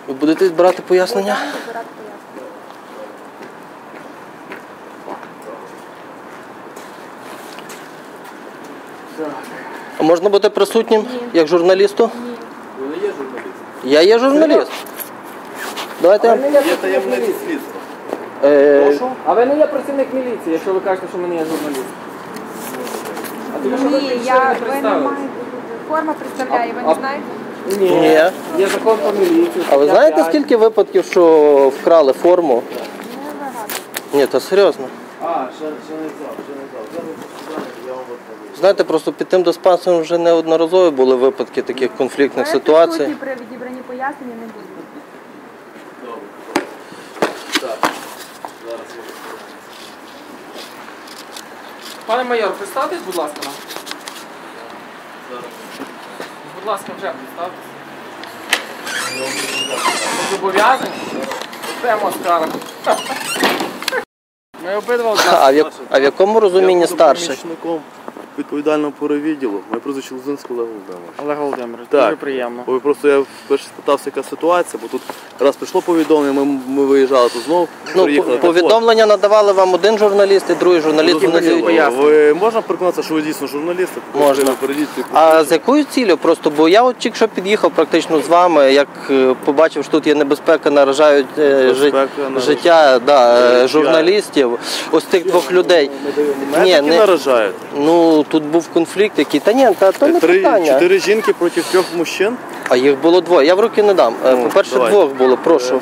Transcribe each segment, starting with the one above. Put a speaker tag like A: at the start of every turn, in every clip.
A: Ви будете збирати пояснення? А можна бути присутнім, як журналісту?
B: Ні. Ви не є журналіст?
A: Я є журналіст. Давайте.
B: Є таємне слідство.
C: Прошу? А ви не є працівник міліції, якщо ви кажете, що ми не є журналіст. А тому що ви
D: Ні,
C: прийшли, не
D: ви не
C: представились.
D: маєте. Форма представляє, ви не знаєте?
A: Ні.
C: Є закон про міліцію.
A: А ви знаєте, скільки випадків, що вкрали форму?
D: Не багато.
A: Ні, то серйозно.
B: Ще не знав. Я вам відповім.
A: Знаєте, просто під тим диспансером вже неодноразово були випадки таких конфліктних ситуацій.
D: Присутні при відібранні пояснення не буде.
B: Добре. Так. Зараз я
C: Пане майор, представтесь, будь ласка, нам.
B: зараз.
C: Будь ласка, вже представтесь. Ми зобов'язані? Тема скара. Ми обидва одна.
A: А в якому розумінні старший?
B: Помічником відповідального по відділу. Моє прізвище Лузинський Олег Володимирович.
C: Олег Володимирович,
B: Так.
C: дуже приємно.
B: Бо просто я вперше спитався, яка ситуація, бо тут раз прийшло повідомлення, ми виїжджали, то знову приїхали.
A: Повідомлення надавали вам один журналіст і другий журналіст не дають.
B: Ви можна переконатися, що ви дійсно журналісти?
A: Можна. А з якою ціллю? Просто, бо я от тільки що під'їхав практично з вами, як побачив, що тут є небезпека, наражають життя журналістів, ось тих двох людей.
B: Ні, не наражають.
A: Ну, тут був конфлікт який. Та ні, то не питання.
B: 4 жінки проти 3 мужчин?
A: А їх було двоє. Я в руки не дам. По-перше,
B: давай.
A: двох було, прошу.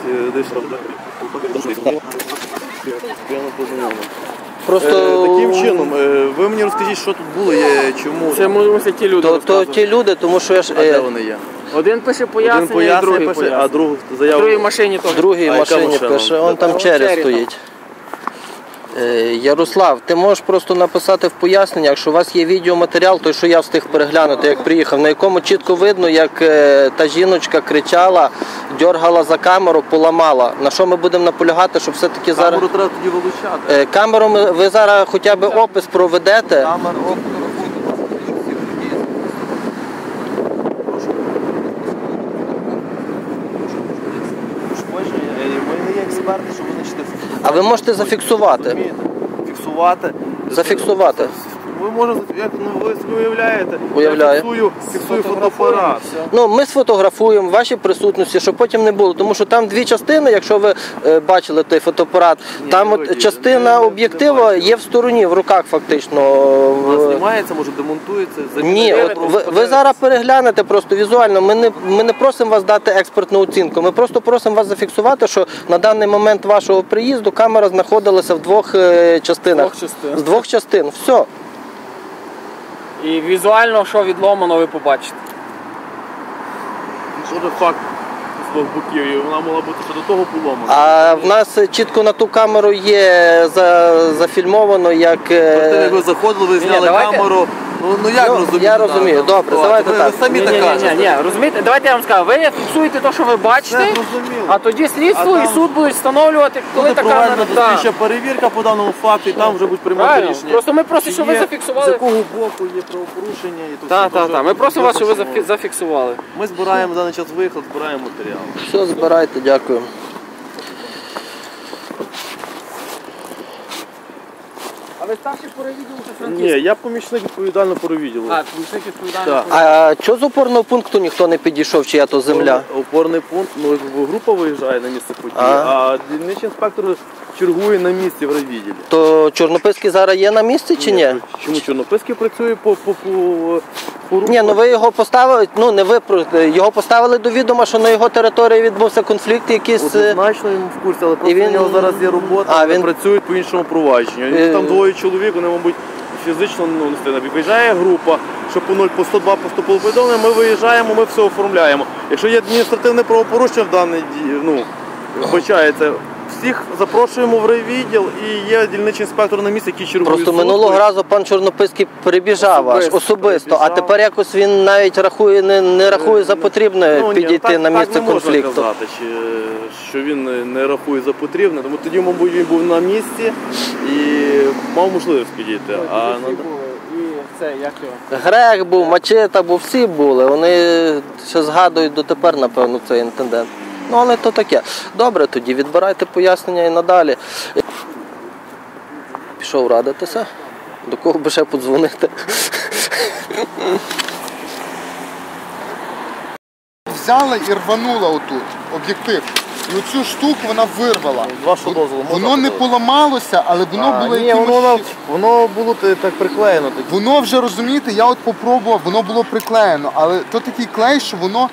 A: Просто
B: Таким чином, ви мені розкажіть, що тут було, чому?
C: Це мусять ті люди
A: то
C: розказувати.
A: ті люди, тому що я ж
B: А де вони є?
C: Один пише
B: Один
C: пояснення, і
B: пояснення
C: другий
B: пише,
C: пояснення.
B: а другу
C: В
B: заяву.
C: другій машині теж.
A: в другій
B: А яка
A: машині
B: машина?
A: пише, он там через
C: Черрі
A: стоїть. Ярослав, ти можеш просто написати в поясненнях, що у вас є відеоматеріал, той, що я встиг переглянути, як приїхав, на якому чітко видно, як та жіночка кричала, дьоргала за камеру, поламала. На що ми будемо наполягати, щоб все-таки зараз...
B: Камеру треба тоді вилучати.
A: Камеру ви зараз хоча б опис проведете.
B: Камеру Ми не є експерти, щоб визначити.
A: А ви можете зафіксувати.
B: Фіксувати.
A: Зафіксувати.
B: Ви можете, як ви собі уявляєте,
A: Уявляю.
B: я фіксую фотоапарат.
A: Ну, ми сфотографуємо ваші присутності, щоб потім не було. Тому що там дві частини, якщо ви бачили той фотоапарат, там от частина об'єктива є в стороні, в руках фактично.
B: Вона знімається, може демонтується.
A: Ні, от ви зараз переглянете просто візуально. Ми не просимо вас дати експертну оцінку. Ми просто просимо вас зафіксувати, що на даний момент вашого приїзду камера знаходилася в двох частинах. З двох частин. Все.
C: І візуально, що відломано, ви побачите.
B: Що за факт з двох боків, і вона могла бути ще до того поломана.
A: А в нас чітко на ту камеру є зафільмовано, як...
B: Перед тим, як ви заходили, ви зняли
C: давайте.
B: камеру. Ну як розумієте?
A: Я розумію, добре, давайте
B: ви,
A: так.
B: Ви самі так кажете.
C: Ні, розумієте, давайте я вам скажу, ви фіксуєте те, що ви бачите,
B: Це зрозуміло.
C: а тоді слідство
B: А
C: і
B: там
C: суд будуть встановлювати, коли
B: Буде
C: та камера...
B: проведена дослідча перевірка по даному факту, і там вже будуть приймати
C: Правильно.
B: рішення.
C: Просто ми просимо,
B: Чи
C: щоб ви
B: є,
C: зафіксували.
B: З якого боку є правопорушення. І то все.
C: Так. Ми просимо вас, щоб ви
B: Просимо.
C: зафіксували.
B: Ми збираємо в даний час виход, збираємо матеріал.
A: Все, збирайте, дякую.
C: А ви старший по відділу чи
B: Ні,
C: Франківськ?
B: я помічник відповідально по відділу.
C: А, помічник відповідальний.
B: Так.
A: А чого з опорного пункту ніхто не підійшов, чия то земля?
B: Опорний пункт, ну група виїжджає на місце події,
A: А.
B: а дільничний інспектор чергує на місці в райвідділі.
A: То Чорнописький зараз є на місці чи ні?
B: Чому Чорнописький працює по
A: Ні, ну ви його поставили, ну не ви, його поставили до відома, що на його території відбувся конфлікт якийсь.
B: Однозначно йому в курсі, але просто
A: він-
B: в нього зараз є робота,
A: А,
B: вони
A: він-
B: працюють по іншому провадженню. Їх там двоє чоловік, вони, мабуть, фізично не встигнуть. Виїжджає група, що по 0, по 102 поступило повідомлення, ми виїжджаємо, ми все оформляємо. Якщо є адміністративне правопорушення в даній вбачається, всіх запрошуємо в райвідділ і є дільничний інспектор на місці, який чергує.
A: Просто
B: суткою.
A: минулого разу пан Чорнописький прибіжав особисто, а
B: прибіжав.
A: тепер якось він навіть рахує, не рахує за потрібне
B: Ну, ні,
A: підійти
B: так,
A: на місце
B: так не
A: конфлікту.
B: можна казати, що він не рахує за потрібне, тому тоді, мабуть, він був на місці і мав можливість підійти. А
C: І це, як його?
A: Грех був, Мачета був, всі були. Вони ще згадують дотепер, напевно, цей інцидент. Ну, але то таке. Добре, тоді відбирайте пояснення і надалі. Пішов радитися. До кого би ще подзвонити?
E: Взяла і рванула отут об'єктив. І оцю штуку вона вирвала.
B: З вашого дозволу можна
E: Воно не
B: подивитися?
E: поламалося, але воно було
B: Ні,
E: якимось...
B: воно було так приклеєно.
E: Воно вже, розумієте, я от попробував, воно було приклеєно, але то такий клей, що воно...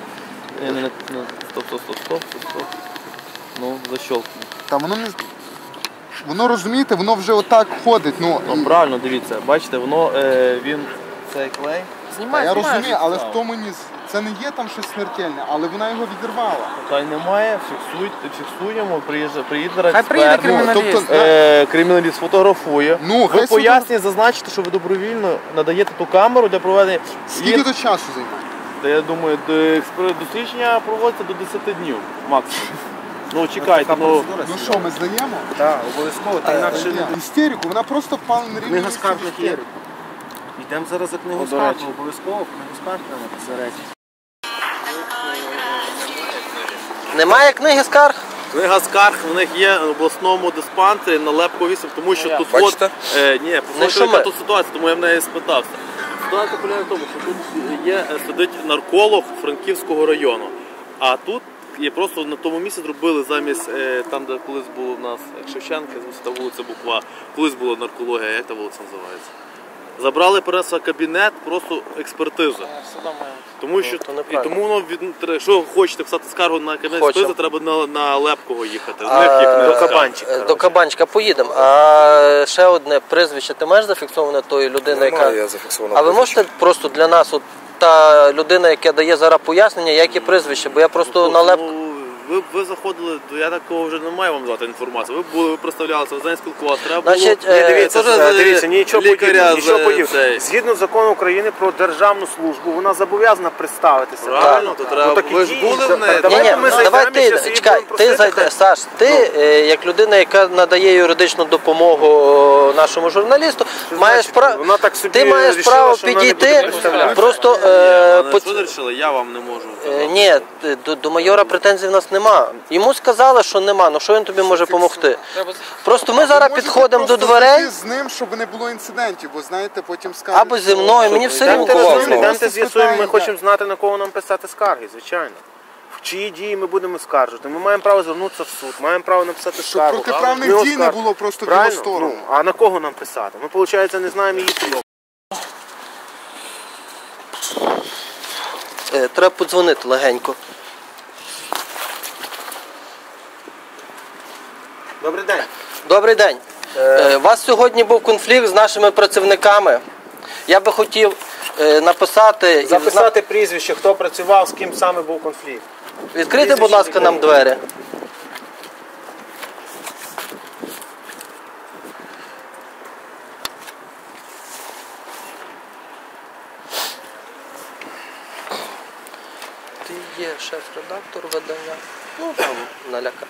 B: Стоп. Ну, защелкну.
E: Та воно не... Воно, розумієте, воно вже отак ходить. Ну,
B: Ну, правильно, дивіться, бачите, воно, він, цей клей.
E: та я розумію, але в тому ні... Це не є там щось смертельне, але вона його відірвала.
B: Та й немає, фіксуємо, приїде
C: Хай приїде
B: експерт.
C: криміналіст.
E: Тобто,
B: Криміналіст фотографує.
E: Ну,
B: Ви
E: хай
B: пояснює, зазначите, що ви добровільно надаєте ту камеру для проведення.
E: Скільки до часу займає?
B: Та я думаю, дослідження проводиться до 10 днів максимум. Ну чекайте, ну
E: Ну що, ми здаємо?
F: Так, обов'язково, та інакше не
E: Істерику, вона просто впала на рівні.
F: книга скарг не є.
E: істерику.
F: Йдемо зараз за книгу
B: до
F: скарг,
B: речі.
F: обов'язково книгу скарг треба посередині.
A: Немає книги скарг?
B: книга скарг в них є в обласному диспансері на Лепко 8, тому що тут
A: Бачите?
B: ні,
A: Не
B: послухайте, яка
A: шуми.
B: тут ситуація, тому я в неї спитався. Ситуація полягає в тому, що тут сидить нарколог Франківського району, а тут є просто на тому місці зробили замість там, де колись було в нас Шевченка, та вулиця Буква, колись була наркологія, як та вулиця називається. Забрали перенесли кабінет, просто експертиза. Тому що
A: то
B: і
A: неправильно.
B: тому воно якщо хочете писати скаргу на кабінет
A: Хочу.
B: експертизи, треба на Лепкого їхати. В них є книга
F: До
B: скарг.
F: кабанчика.
A: До кабанчика поїдемо. А ще одне прізвище. Ти маєш зафіксоване тої людини, яка...
G: Я зафіксовано.
A: А ви можете просто для нас, от та людина, яка дає зараз пояснення, яке прізвище? Бо я просто на Лепку...
B: Ви заходили, я такого вже не маю вам дати інформацію. Ви представлялися, ви з нею спілкувалися. Треба було...
A: Значить,
F: Дивіться, нічого
B: лікаря
F: подібного.
B: цей.
F: Згідно закону України про державну службу, вона зобов'язана представитися.
B: Правильно, то треба.
F: так
B: Ви ж
F: ідіть,
B: були в неї.
F: давайте
A: Ні,
F: ми зайдемо
A: давай
F: і щас
A: ти,
F: її
A: чекай,
F: будемо
A: ти
F: просити,
A: зайди,
F: хай-
A: Саш, ти як людина, яка надає юридичну допомогу нашому журналісту, маєш право,
F: Вона так собі
A: ти маєш
F: рішила,
A: право
F: що вона не буде
A: підійти,
F: представляти.
A: просто
B: Що вирішили, я вам не можу.
A: ні, до майора претензій в нас нема. Йому сказали, що нема, ну що він тобі може допомогти? Просто ми зараз
E: Можете
A: підходимо до
E: просто
A: дверей,
E: зайти з ним, щоб не було інцидентів, бо знаєте, потім скажуть...
A: або зі мною, мені все рівно.
F: Йдемте
E: Кого?
F: разом, йдемте
E: Просто
F: з'ясуємо, ми
E: спитаємо,
F: хочемо знати, на кого нам писати скарги, звичайно. В чиї дії ми будемо скаржити. Ми маємо право звернутися в суд, маємо право написати
E: Щоб
F: скаргу.
E: протиправних
F: Ми
E: дій не
F: оскаржимо.
E: було просто в
F: Правильно?
E: його сторону.
F: Ну, а на кого нам писати? Ми, виходить, не знаємо її прийом.
A: Треба подзвонити легенько.
F: Добрий день.
A: Добрий день. У вас сьогодні був конфлікт з нашими працівниками. Я би хотів написати...
F: Записати прізвище, хто працював, з ким саме був конфлікт.
A: Відкрийте, будь ласка, нам двері. Ти є шеф-редактор видання. Ну, там, наляка.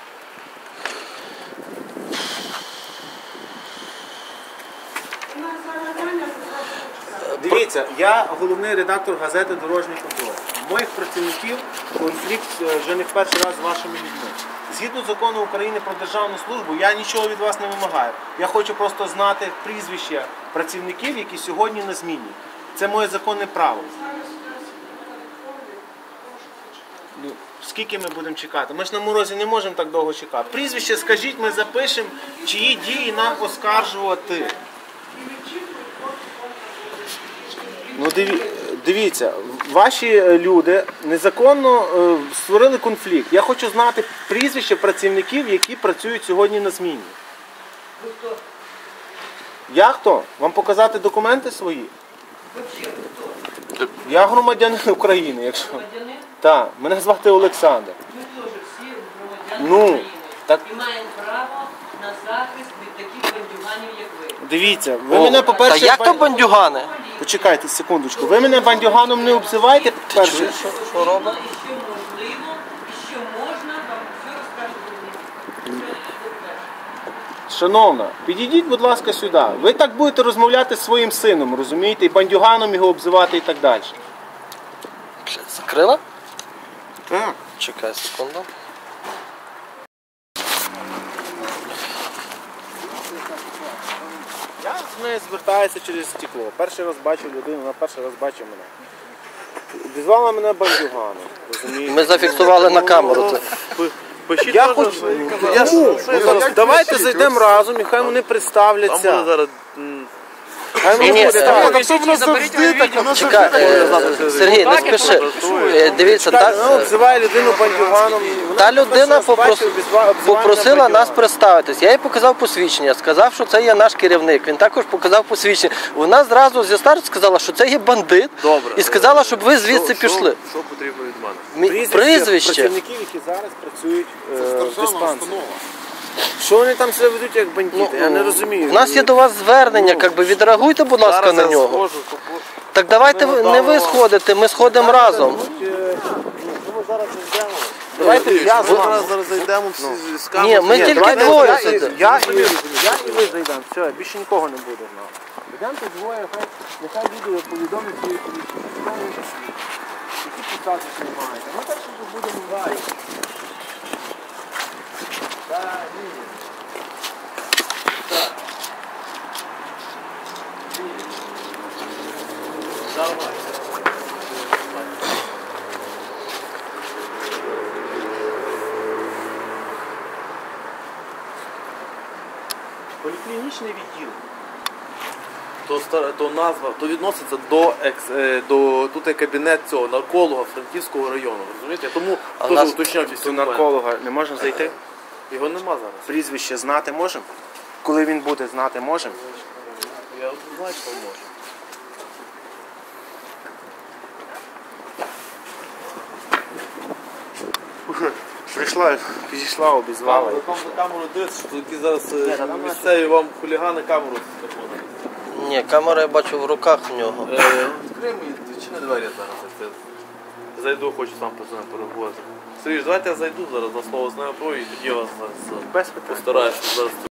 F: Дивіться, я головний редактор газети «Дорожній контроль». У моїх працівників конфлікт вже не в перший раз з вашими людьми. Згідно закону України про державну службу, я нічого від вас не вимагаю. Я хочу просто знати прізвища працівників, які сьогодні на зміні. Це моє законне право. Ну, скільки ми будемо чекати? Ми ж на морозі не можемо так довго чекати. Прізвище скажіть, ми запишемо, чиї дії нам оскаржувати. Ну дивіться, ваші люди незаконно створили конфлікт. Я хочу знати прізвища працівників, які працюють сьогодні на зміні. Я хто? Вам показати документи свої? Я громадянин України, якщо. Так, мене звати Олександр.
H: Ми теж всі громадяни України
F: так.
H: і маємо право на захист від таких бандюганів, як ви.
F: Дивіться, ви мене,
A: Та
F: по-перше,
A: як то бандюгани?
F: почекайте секундочку. Ви мене бандюганом не обзивайте, по-перше.
A: Що робить?
H: І що можливо, і що можна, вам все розкажуть.
F: Шановна, підійдіть, будь ласка, сюди. Ви так будете розмовляти зі своїм сином, розумієте, і бандюганом його обзивати і так далі.
A: Закрила?
F: Так.
A: Чекай секунду.
F: Я з нею звертаюся через стекло. Перший раз бачив людину, вона перший раз бачив мене. Обізвала мене бандюганом, розумієте?
A: Ми зафіксували на камеру це.
F: Я хочу... Давайте зайдемо разом і хай вони представляться.
B: Там буде зараз...
F: Хай вони
A: Ні,
F: представляться.
E: Тобто воно завжди так, воно
A: Чекай, Сергій, не спіши. Дивіться,
F: Ну, обзиває людину бандюганом.
A: та людина попросила нас представитись. Я їй показав посвідчення, сказав, що це є наш керівник. Він також показав посвідчення. Вона зразу зі старту сказала, що це є бандит.
B: Добре.
A: І сказала, щоб ви звідси пішли.
B: Що потрібно від мене?
A: Прізвище.
F: Працівників, які зараз працюють в
E: державна
F: диспансері.
E: установа.
F: Що вони там себе ведуть як бандити? Я не розумію.
A: У нас є до вас звернення, якби відреагуйте, будь ласка,
B: Зараз
A: на
B: я
A: нього.
B: схожу,
A: Так давайте не ви сходите, ми сходимо разом.
F: Давайте я з вами.
B: Зараз зайдемо всі з камери.
A: Ні, ми тільки
F: Давайте
A: двоє сидимо.
F: я і ви зайдемо. Все, більше нікого не буде в нас. Йдемо тут двоє, нехай люди повідомлять свої які посади знімаєте. Ми так що будемо далі. Поліклінічний відділ.
B: То назва, то відноситься до тут є кабінет цього нарколога Франківського району, розумієте? Тому
A: А
B: теж
A: нас-
B: уточняв
F: До
B: всі
F: нарколога не можна зайти?
B: Його нема зараз.
F: Прізвище знати можемо? Коли він буде знати можемо?
B: Я знаю, що можу.
F: Прийшла, підійшла, обізвала.
B: Там за камеру дивиться, що які зараз місцеві вам хулігани камеру заходять.
A: Ні, камера я бачу в руках в нього.
B: Відкрий мені, відчини двері зараз. Я зайду, хочу сам з ним переговорити. Сергій, давайте я зайду зараз на слово з нею і тоді я вас зараз
F: Без питань.
B: постараюся зараз.